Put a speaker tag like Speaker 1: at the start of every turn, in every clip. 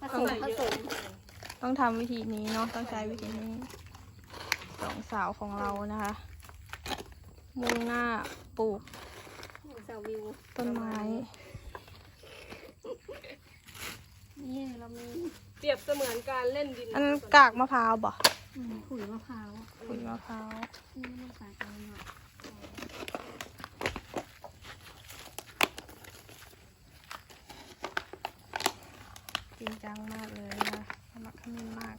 Speaker 1: ผสมต้องทำวิธีนี้เนาะต้องใช้วิธีนี้สองสาวของเรานะคะมุ่งหน้าปลูกต้นไม้
Speaker 2: นี่เรามี
Speaker 3: เปรียบเสมือนการเล่นดิน
Speaker 1: อันกากมะพร้าวบ่
Speaker 2: ขุยมะพร้าว
Speaker 1: ขุยมะพร้าว
Speaker 2: นี่ไม่ใส่กันหน่อย
Speaker 1: จริงจังมากเลยนะสมัครขมิ้นมาก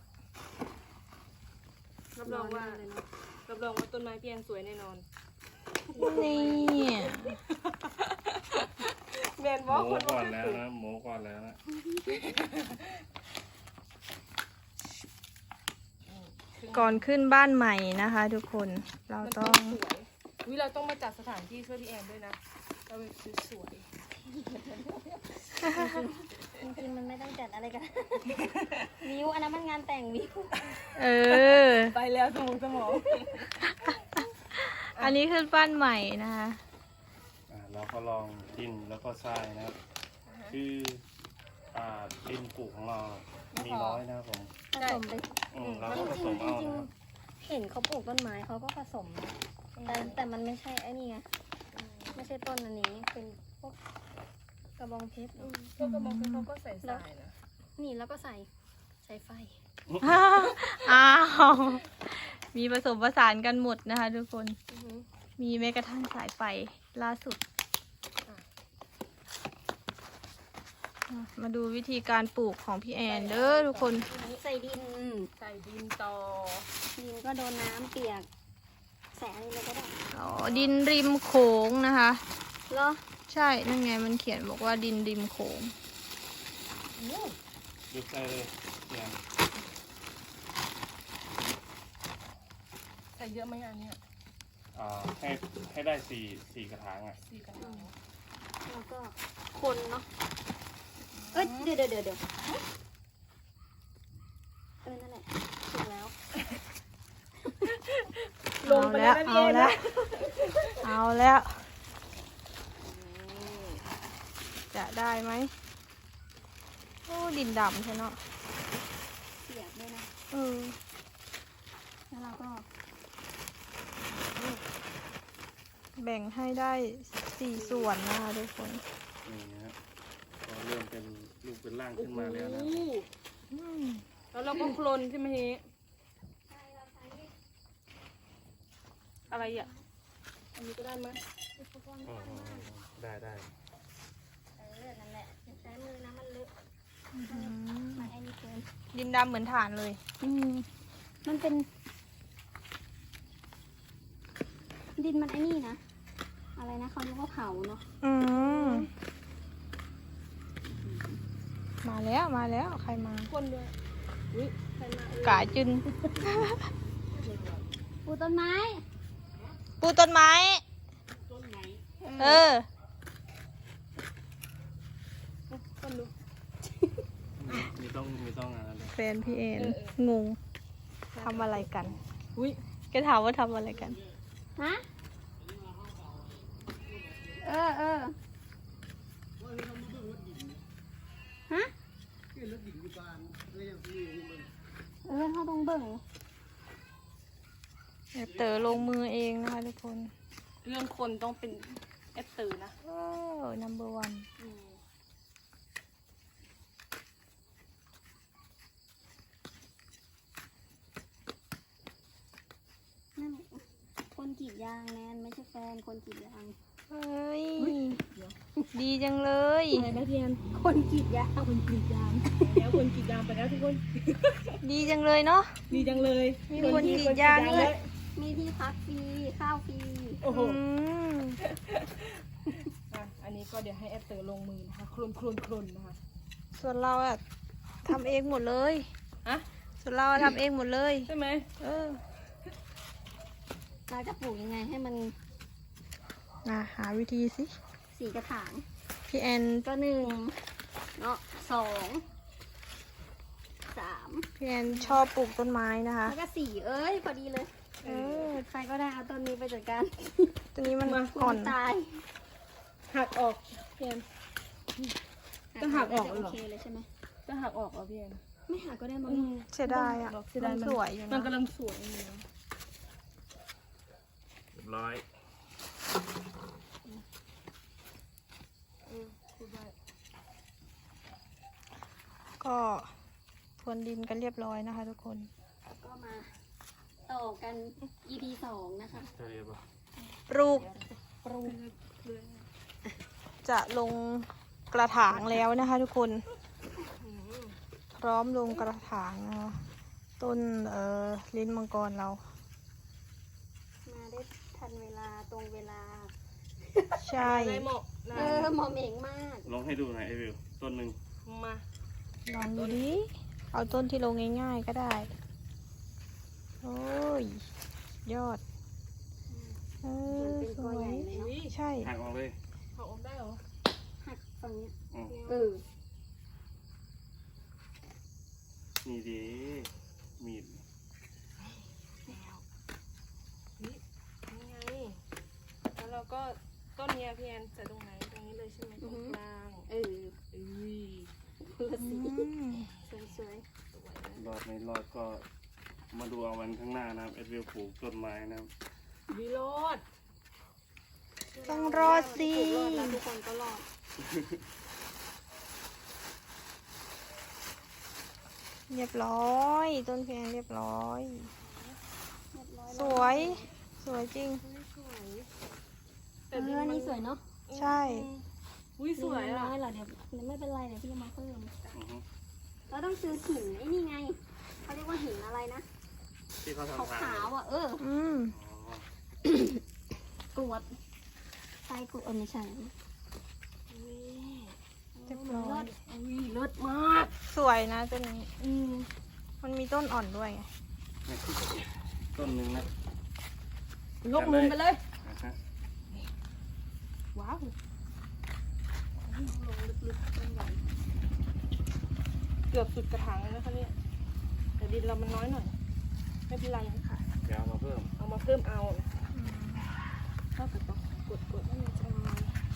Speaker 3: รับรองว่าต้นไม้พี่แอนสวยแน่นอน
Speaker 1: นี่
Speaker 3: แมน
Speaker 4: ห
Speaker 3: บอก
Speaker 4: มู
Speaker 3: คน
Speaker 4: ก่อนแล้วนะหมูก่อนแล้วนะ
Speaker 1: ก่อนขึ้นบ้านใหม่นะคะ ทุกคนเรา
Speaker 3: มัน
Speaker 1: ต้
Speaker 3: ต้
Speaker 1: อ
Speaker 3: อง งสวยวิเราต้องมาจัดสถานที่ช่วยพี่แอนด้วยนะเราเป็นสวย
Speaker 2: จริงๆมันไม่ต้องจัดอะไรกัน วิวอันนั้นมันงานแต่งวิว
Speaker 1: เออ
Speaker 3: ไปแล้วสมอง
Speaker 1: อันนี้ขึ้นบ้านใหม่นะคะ
Speaker 4: เราก็ลองดินแล้วก็ทรายนะครับคือดินปลูกของเรามีน้อยนะครับผม
Speaker 2: ผสมไป
Speaker 4: เราก็ผสมเอานะครับ
Speaker 2: เห็นเขาปลูกต้นไม้เขาก็ผสมนะแต่มันไม่ใช่ไอ้นี่ไงไม่ใช่ต้นอันนี้เป็นพวกกระบองเพชร
Speaker 3: ก็กระบอกเขาก็ใส่ทรายนะ
Speaker 2: นี่แล้วก็ใส่ไฟ
Speaker 1: อ้าวมีผสมผสานกันหมดนะคะ ทุกคนมีแม้กระทั่งสายไฟล่าสุดมาดูวิธีการปลูกของพี่แอนเด้อทุกคน
Speaker 2: ใส่ดิน
Speaker 3: ใส่ดินต่อ
Speaker 2: ดินก็โดนน้ำเปียกแสงอะไรก็ได้
Speaker 1: อ๋อดินริมโขงนะคะ
Speaker 2: เหรอ
Speaker 1: ใช่นั่นไงมันเขียนบอกว่าดินริมโขง
Speaker 4: ยึดใส่เลยเนี่ย
Speaker 3: ใส่เยอะไหมอันเนี้ย
Speaker 4: ให้ได้สี่กระถางอ่ะ
Speaker 3: 4 กระถาง
Speaker 2: แล้วก็คนเนาะเอ้ยเดี๋ยวนั่นแหละถูกแล้ว
Speaker 3: ลงไปแล้วนะพี่
Speaker 1: เอา
Speaker 3: แอน
Speaker 1: แล้
Speaker 3: นะ
Speaker 1: วเอาแล้ว จะได้ไหมโอ้ดินดำใช่เนาะ
Speaker 2: เปียกด้วยนะ
Speaker 1: เออ
Speaker 2: แล้วเราก็
Speaker 1: แบ่งให้ได้4 ส่วนนะคะทุกคน
Speaker 4: นี่นะครับก็เริ่มเป็นรูปเป็นร่างขึ้นมาแล้วนะ
Speaker 3: โอ้โห
Speaker 1: อืม
Speaker 3: แล้วเราก็โคลนใช่ไหมเฮอะไรอ่ะอันนี้ก็ได้ไหม
Speaker 4: อ๋อได้
Speaker 2: นั่นแหละใช้มือนะมันเลอะ
Speaker 1: อืม
Speaker 2: มันไอ้นี่เกิน
Speaker 1: ดินดำเหมือนฐานเลย
Speaker 2: มันเป็น ดินมันไอ้นี่นะ อะไรนะเขาเรียกว่าเผาเนาะ
Speaker 1: อืมมาแล้วใครมา
Speaker 3: คนด้วยอุ้ยใครมาเอ่ย
Speaker 1: กาจุน
Speaker 2: ปลูกต้นไม้
Speaker 1: ปลูกต้นไม้ เออ
Speaker 3: คนดู
Speaker 4: มีต้องอะไรเลย
Speaker 1: แฟนพี่เอ็นงงทำอะไรกัน
Speaker 3: อุ้ย
Speaker 1: แกถามว่าทำอะไรกัน
Speaker 2: ฮะเออฮะเขาต้องเบิ่ง
Speaker 1: เต๋อลงมือเองนะคะทุกคน
Speaker 3: เรื่องคนต้องเป็นแอปตื่นนะ
Speaker 1: โอ้ number one
Speaker 2: นั่นคนกรีดยางแนนไม่ใช่แฟนคนกรีดยาง
Speaker 1: เฮ้ย ดีจังเลย
Speaker 3: อะไรนะพี่แอน
Speaker 2: คนกรีดยาง
Speaker 3: คนกรีดยางแล้วคนกรีดยางไปแล้วทุกคน
Speaker 1: ดีจังเลยเนาะ
Speaker 3: ดีจังเลย
Speaker 1: มีคนกรีดยางด้วย
Speaker 2: มีที่พักฟรีข้าวฟรี
Speaker 3: โอ้โห
Speaker 1: อืม
Speaker 3: อันนี้ก็เดี๋ยวให้แอปเตอร์ลงมือนะคะโคลนนะคะ
Speaker 1: ส่วนเราอะทำเองหมดเลย
Speaker 3: อะ
Speaker 1: ส่วนเราอะทำเองหมดเลย
Speaker 3: ใช่ไหม
Speaker 1: เออ
Speaker 2: เราจะปลูกยังไงให้มัน
Speaker 1: หาวิธีสิ
Speaker 2: 4 กระถาง
Speaker 1: พี่แอน
Speaker 2: ก็1เนาะ2 3
Speaker 1: พี่แอนชอบปลูกต้นไม้นะคะ
Speaker 2: แล้วก็4เอ้ยพอดีเลย
Speaker 1: เออ
Speaker 2: ใครก็ได้เอาต้นนี้ไปจัดการ
Speaker 1: ตัวนี้มัน
Speaker 2: มั
Speaker 1: อ่อน
Speaker 2: ตาย
Speaker 3: หักออกพี่แอน ต้องหักออก
Speaker 2: จะ
Speaker 3: เหรอ
Speaker 2: โอเคเลยใช่ไหม
Speaker 3: ใช่จะหักออกเหรอพี่แอน
Speaker 2: ไม่หาก็ได้มั้ง
Speaker 1: เสียดายอ่ะ
Speaker 3: เสียดาย
Speaker 1: มันสวยอยู่
Speaker 3: มัน
Speaker 1: นะ
Speaker 3: กำลังสวยอยู่นะ
Speaker 4: เรียบร้อย
Speaker 3: พูดได้
Speaker 1: ก็พรวนดินกันเรียบร้อยนะคะ ทุกคน
Speaker 2: ก็มาต่อกัน EP 2 นะคะ
Speaker 4: ใช่ปะ
Speaker 1: ปลูก
Speaker 2: ปรุง
Speaker 1: จะลงกระถางแล้วนะคะ ทุกคนพร้อมลงกระถางนะคะต้นลิ้นมังกรเรา
Speaker 2: มาได้ทันเวลาตรงเวลา
Speaker 1: ใช่
Speaker 3: ได้เหมาะนะ
Speaker 2: เหมาะเหม่งมาก
Speaker 4: ลองให้ดูหน่อยไอวิวต้นหนึ่ง
Speaker 3: มา
Speaker 1: ลองดูดิเอาต้นที่ลงง่ายๆก็ได้ โอ้ย ยอดสวย
Speaker 3: อุ้ย
Speaker 1: ใช่
Speaker 4: หักออกเลย
Speaker 3: หักออกได้เหรอ
Speaker 2: หักฝั่งเนี้ย
Speaker 4: อืม นี่ดีมีด
Speaker 3: นี่ไงแล้วเราก็ต้นเนี้ยพี่แอนใส่ตรงไหนตรงนี้เลยใช่ไหมตรงกลาง
Speaker 2: เออ
Speaker 3: อุ้ย
Speaker 2: คือสี
Speaker 1: อืม
Speaker 2: สวย
Speaker 3: สวยนะ
Speaker 4: รอดไม่รอดก็มาดูเอาวันข้างหน้านะครับไอวิวปลูกต้นไม้นะครับ
Speaker 3: วิโรด
Speaker 1: ต้องรอดสิ
Speaker 2: ๆรอดแล้วทุกคนก็รอด
Speaker 1: เรียบร้อย ต้นเพลงเรียบร้อย
Speaker 2: เรียบร้อย
Speaker 1: สวย สวยจริง
Speaker 3: สวย
Speaker 2: แต่เรื่องนี้สวยเนาะ
Speaker 1: ใช่
Speaker 3: อุ้ยสวยอ่ะ
Speaker 2: น้อยเหรอเดี๋ยวไม่เป็นไรเดี๋ยวพี่จะมาเพิ่ม
Speaker 4: อือฮึ
Speaker 2: เราต้องซื้อหินไอ้นี่ไงเขาเรียกว่าหินอะไรนะ
Speaker 4: ที่เขา
Speaker 2: ขาว
Speaker 4: ทำทาง
Speaker 2: ขาวๆอ่ะ
Speaker 1: อืม
Speaker 4: อ๋อก
Speaker 2: รวดใส่กรวดไม่ใช่
Speaker 3: นี่
Speaker 1: เรียบร้อย
Speaker 3: อุ้ยเลิศมาก
Speaker 1: สวยนะต้นนี้
Speaker 3: อืม
Speaker 1: มันมีต้นอ่อนด้วยไง
Speaker 4: นี่คือต้นหนึ่งนะ
Speaker 3: ยกมุมไปเลย
Speaker 4: อ่ะฮะ
Speaker 3: ว้าวลงลึกๆต้นใหญ่เกือบสุดกระถางเลยนะคะเนี่ยแต่ดินเรามันน้อยหน่อย ไม่เป็นไรค่ะ
Speaker 4: เดี๋ยวเอามาเพิ่ม
Speaker 3: เอามาเพิ่มเอาเท่ากับต้องกดให้มันจะมา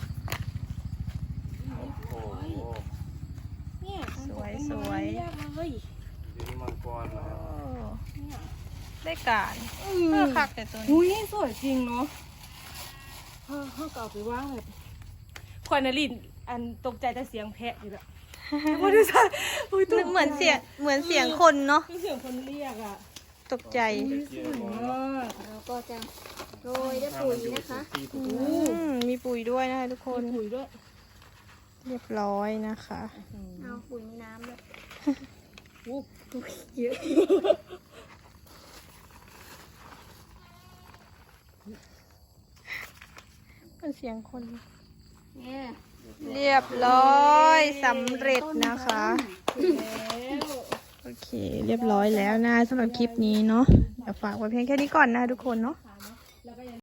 Speaker 4: โอ้โห
Speaker 3: เนี่ย
Speaker 1: สวยสวย
Speaker 3: เรียกเลย
Speaker 4: ดินมังกรนะค
Speaker 1: โอ้
Speaker 4: รับ
Speaker 3: เนี่ย
Speaker 1: ได้การเพื่อคักแต่ตัวนี้
Speaker 3: อุ้ยสวยจริงเนาะเขาเก่าไปว่างแบบคอยนารินอันตกใจแต่เสียงแพะอยู่ละไม่ได้ใช่อุ้ยตกใจ
Speaker 1: เหมือนเสียงคนเนาะ
Speaker 3: คือเสียงคนเรียกอ่ะ
Speaker 1: ตกใจ
Speaker 3: สวยมาก
Speaker 2: เราก็จะโรยด้วยปุ๋ยนะคะ
Speaker 4: ที่ถูก
Speaker 1: มีปุ๋ยด้วยนะคะทุกคน
Speaker 3: คุยด้วย
Speaker 1: เรียบร้อยนะคะ
Speaker 2: เอาปุ๋ยมีน้ำด้วย
Speaker 3: อู้
Speaker 2: เยอะ
Speaker 1: เป็นเสียงคน
Speaker 2: เนี่ย
Speaker 1: เรียบร้อยสำเร็จนะคะ
Speaker 3: แล้ว
Speaker 1: โอเค เรียบร้อยแล้วนะสำหรับคลิปนี้เนาะเดี๋ยวฝากไว้เพียงแค่นี้ก่อนนะทุกคนเนาะ
Speaker 3: ค่ะ